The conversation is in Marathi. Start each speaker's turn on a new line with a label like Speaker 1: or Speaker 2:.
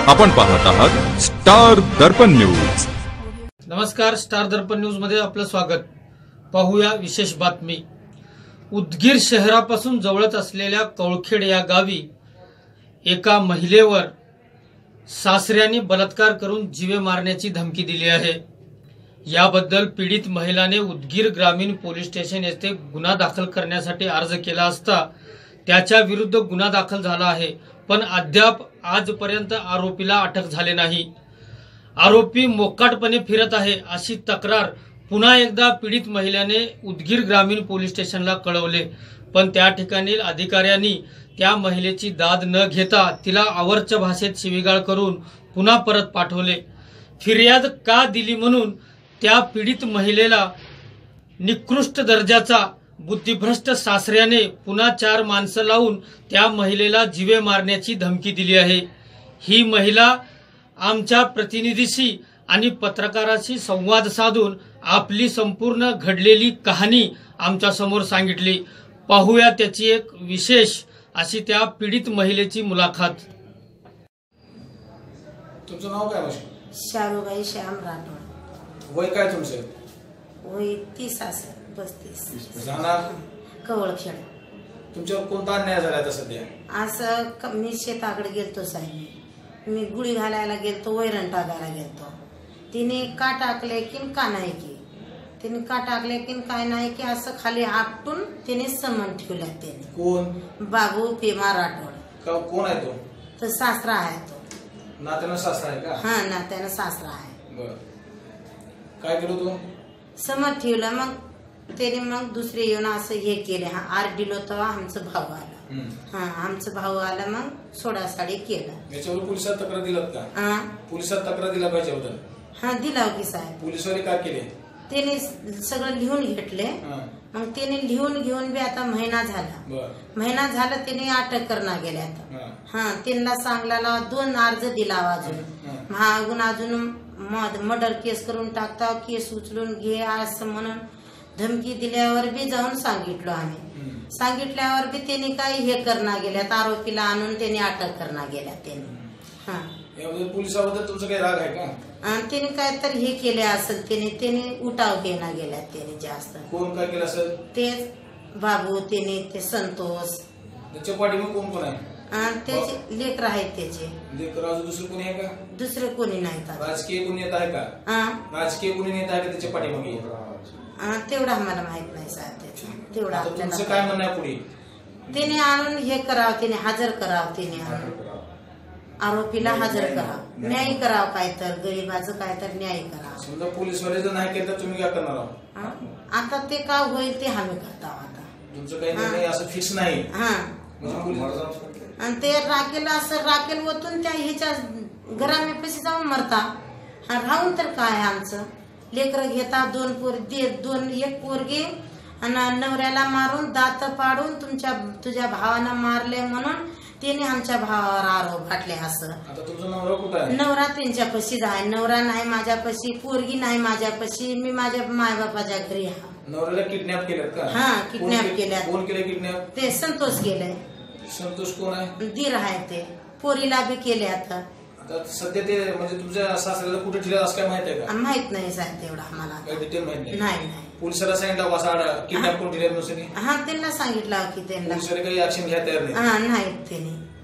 Speaker 1: आपण पाहत आहात स्टार दर्पण न्यूज।
Speaker 2: नमस्कार, स्टार दर्पण न्यूज मध्ये आपलं स्वागत। पाहूया विशेष बातमी। उदगीर शहरापासून जवळच असलेल्या कौळखेड या गावी एका महिलेवर सासऱ्यांनी बलात्कार करून जीवे मारण्याची धमकी दिली आहे। याबद्दल पीडित महिलाने उदगीर ग्रामीण पोलीस स्टेशन येथे गुन्हा दाखल करण्यासाठी अर्ज केला असता त्याच्या विरुद्ध गुन्हा दाखल झाला आहे, पण अद्याप आजपर्यंत आरोपीला अटक झाले नाही। आरोपी मोकाटपणे फिरत आहे अशी तक्रार पुन्हा एकदा पीडित महिलेने उदगीर ग्रामीण पोलीस स्टेशनला कळवले, पण त्या ठिकाणी अधिकाऱ्यांनी त्या महिलेची दाद न घेता तिला आवर्च भाषेत शिवीगाळ करून पुन्हा परत पाठवले। फिर्याद का दिली म्हणून त्या पीडित महिलेला निकृष्ट दर्जाचा बुद्धिभ्रष्ट सासऱ्याने पुन्हा 4 माणसं लावून त्या महिलेला जीवे मारण्याची धमकी दिली आहे। ही महिला आमच्या प्रतिनिधीशी आणि पत्रकाराशी संवाद साधून आपली संपूर्ण घडलेली कहाणी आमच्या समोर सांगितली। पाहूया त्याची एक विशेष अशी त्या पीडित महिलेची मुलाखत।
Speaker 3: तुमचं नाव काय?
Speaker 4: शारूबाई श्याम राठोड।
Speaker 3: वय काय तुमचं?
Speaker 4: वय 30 असेल, 35।
Speaker 3: जाणार
Speaker 4: कवळखेड।
Speaker 3: तुमच्यावर कोणता अन्याय झाला आता सध्या?
Speaker 4: असं मी शेताकडे गेलतो साहेब, मी गुढी घालायला गेलतो, वैरण टाकायला गेलतो। तिने का टाकले की का नाही की, तिने का टाकले की काय नाही की असं खाली आपटून तिने समन ठेवला। त्याने
Speaker 3: कोण?
Speaker 4: बाबू पेमा राठोड।
Speaker 3: कोण आहे तो?
Speaker 4: तर सासरा आहे तो।
Speaker 3: नात्यानं सासरा आहे का?
Speaker 4: हा, नात्यानं सासरा आहे।
Speaker 3: बर, काय केलं तू?
Speaker 4: समन ठेवलं, मग त्याने मग दुसरे येऊन असं हे केले। हा आर दिलो तेव्हा आमचं भाऊ आला। हा, आमचं भाऊ आला, मग सोडासाडी केलं।
Speaker 3: याच्यावर पोलिसात तक्रार दिलात का? पोलिसात तक्रार दिला पाहिजे होतं।
Speaker 4: हा, दिला की साहेब।
Speaker 3: पोलिसवाले काय केले?
Speaker 4: त्याने सगळं लिहून घेतले, मग त्याने लिहून घेऊन बी आता महिना झाला त्याने अटक करणार गेले आता। हा, त्यांना सांगला 2 अर्ज दिला अजून महागून अजून मर्डर केस करून टाकता, केस उचलून घे असं म्हणून धमकी दिल्यावर बी जाऊन सांगितलं आम्ही। सांगितल्यावर बी त्यांनी काही हे करणार गेल्यात, आरोपीला आणून त्यांनी अटक करणार गेल्या त्यांनी। हा,
Speaker 3: याबद्दल पोलिसाबद्दल तुमचा काही राग आहे का?
Speaker 4: त्याने काय तर हे केले असेल, त्याने उठाव घेणार गेल्या त्याने जास्त।
Speaker 3: कोण काय केलं असेल?
Speaker 4: तेच बाबू, त्याने ते संतोष।
Speaker 3: त्याच्या पाठीमागे कोण कोण आहे?
Speaker 4: त्याचे लेकर आहेत त्याचे।
Speaker 3: लेकर अजून दुसरं कोणी आहे का?
Speaker 4: दुसरे कोणी नाहीत।
Speaker 3: राजकीय कोणी येत आहे का? राजकीय कोणी नेता आहे का त्याच्या पाठीमागे?
Speaker 4: तेवढं आम्हाला माहित नाही साहेब त्याचं, तेवढं आपल्याला।
Speaker 3: तुमचं काय म्हणणं आहे पुढे?
Speaker 4: त्याने आणून हे करावं, त्याने हजर करावं, त्याने आरोपीला हजर करावं, न्याय करावं, काय तर गरीबाचं काय तर न्याय करावं।
Speaker 3: समजा पोलीसवाले जर नाही केलं तर तुम्ही काय करणार आहात?
Speaker 4: आता ते का होईल ते आम्ही करतो आता।
Speaker 3: तुमचं काही निर्णय असं फिक्स नाही?
Speaker 4: आणि ते राखेल असं राखेल ओतून त्या ह्याच्या घरामेपाशी जाऊन मरता। राहून तर काय आमचं लेकर घेता, 2 पोरगी, एक पोरगी आणि नवऱ्याला मारून दात पाडून तुझ्या भावानं मारले म्हणून त्याने आमच्या भावावर आरोप घातले असं।
Speaker 3: आता तुमचा नवरा कुठे आहे?
Speaker 4: नवरा त्यांच्यापाशीच आहे। नवरा नाही माझ्यापाशी, पोरगी नाही माझ्यापाशी, मी माझ्या मायबापाच्या घरी आहे।
Speaker 3: नवऱ्याला किडनॅप केलं का?
Speaker 4: हा, किडनॅप केल्या।
Speaker 3: कोण केलं किडनॅप?
Speaker 4: ते संतोष केलंय।
Speaker 3: संतोष कोण आहे?
Speaker 4: दीर आहे ते। पोरीला बी केले आता
Speaker 3: सध्या ते म्हणजे तुमच्या सासऱ्याला कुठे ठेवलं असं काय माहित आहे का?
Speaker 4: माहित नाही साहेब, तेवढा आम्हाला
Speaker 3: काही डिटेल माहित
Speaker 4: नाही।
Speaker 3: पोलिसाला सांगितलं असं किडनॅप कोण ठेवलं?
Speaker 4: हा, त्यांना सांगितलं की त्यांना
Speaker 3: पोलिसाला काही ऍक्शन घ्या तयार नाही?
Speaker 4: नाही त्यांनी